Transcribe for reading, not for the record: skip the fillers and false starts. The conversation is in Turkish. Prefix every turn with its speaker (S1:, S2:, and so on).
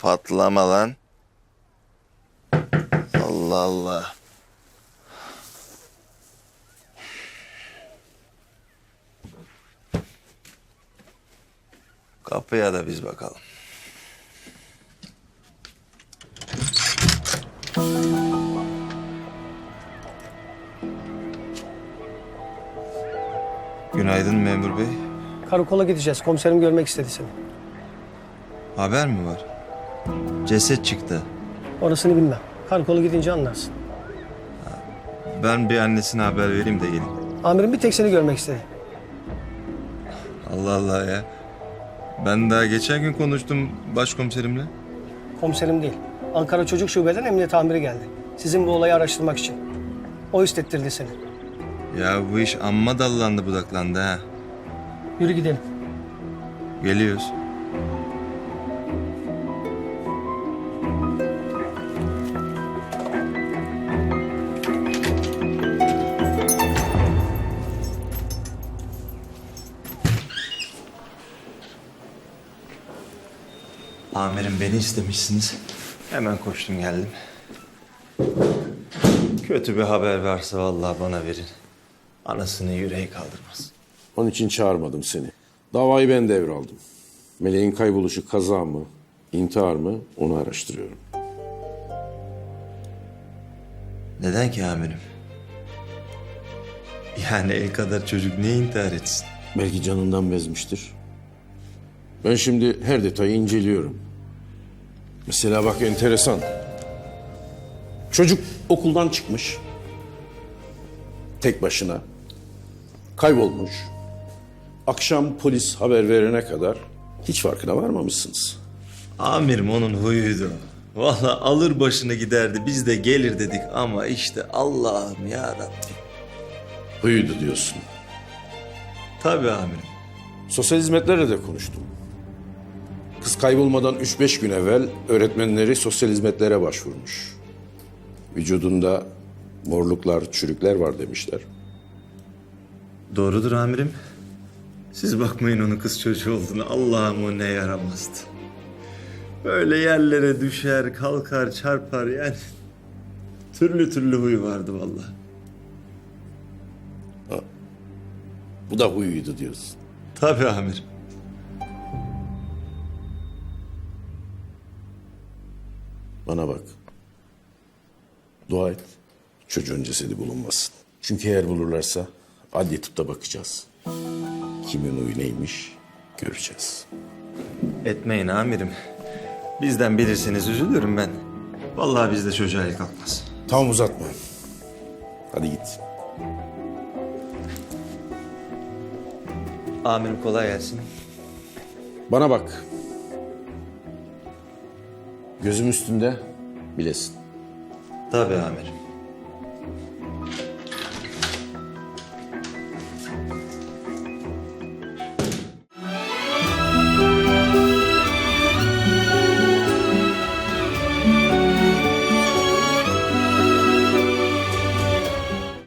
S1: Patlama lan. Allah Allah. Kapıya da biz bakalım. Günaydın memur bey.
S2: Karakola gideceğiz. Komiserim görmek istedi seni.
S1: Haber mi var? Ceset çıktı.
S2: Orasını bilmem. Karakola gidince anlarsın.
S1: Ben bir annesine haber vereyim de gelin.
S2: Amirim bir tek seni görmek istedi.
S1: Allah Allah ya. Ben daha geçen gün konuştum başkomiserimle.
S2: Komiserim değil. Ankara Çocuk Şube'den emniyet amiri geldi. Sizin bu olayı araştırmak için. O istettirdi seni.
S1: Ya bu iş amma dallandı budaklandı ha.
S2: Yürü gidelim.
S1: Geliyoruz. Amirim beni istemişsiniz. Hemen koştum geldim. Kötü bir haber varsa vallahi bana verin. Anasının yüreği kaldırmaz.
S3: Onun için çağırmadım seni. Davayı ben devraldım. Meleğin kayboluşu kaza mı, intihar mı onu araştırıyorum.
S1: Neden ki amirim? Yani el kadar çocuk niye intihar etsin?
S3: Belki canından bezmiştir. Ben şimdi her detayı inceliyorum. Mesela bak enteresan. Çocuk okuldan çıkmış. Tek başına. Kaybolmuş. Akşam polis haber verene kadar hiç farkına varmamışsınız.
S1: Amirim onun huyuydu. Vallahi alır başını giderdi. Biz de gelir dedik ama işte Allah'ım ya Rabbi.
S3: Huyuydu diyorsun.
S1: Tabii amirim.
S3: Sosyal hizmetlerle de konuştum. Kız kaybolmadan 3-5 gün evvel öğretmenleri sosyal hizmetlere başvurmuş. Vücudunda morluklar, çürükler var demişler.
S1: Doğrudur amirim. Siz bakmayın onun kız çocuğu olduğunu. Allah'ım o ne yaramazdı. Böyle yerlere düşer, kalkar, çarpar yani. Türlü türlü huyu vardı vallahi.
S3: Bu da huyuydu diyorsun.
S1: Tabii amirim.
S3: Bana bak. Dua et. Çocuğun cesedi bulunmasın. Çünkü eğer bulurlarsa adli tıpta bakacağız. Kimin huyu neymiş göreceğiz.
S1: Etmeyin amirim. Bizden bilirseniz üzülürüm ben. Vallahi bizde çocuğa el kalkmaz.
S3: Tamam uzatma. Hadi git.
S1: Amirim kolay gelsin.
S3: Bana bak. Gözüm üstünde bilesin.
S1: Tabii amirim.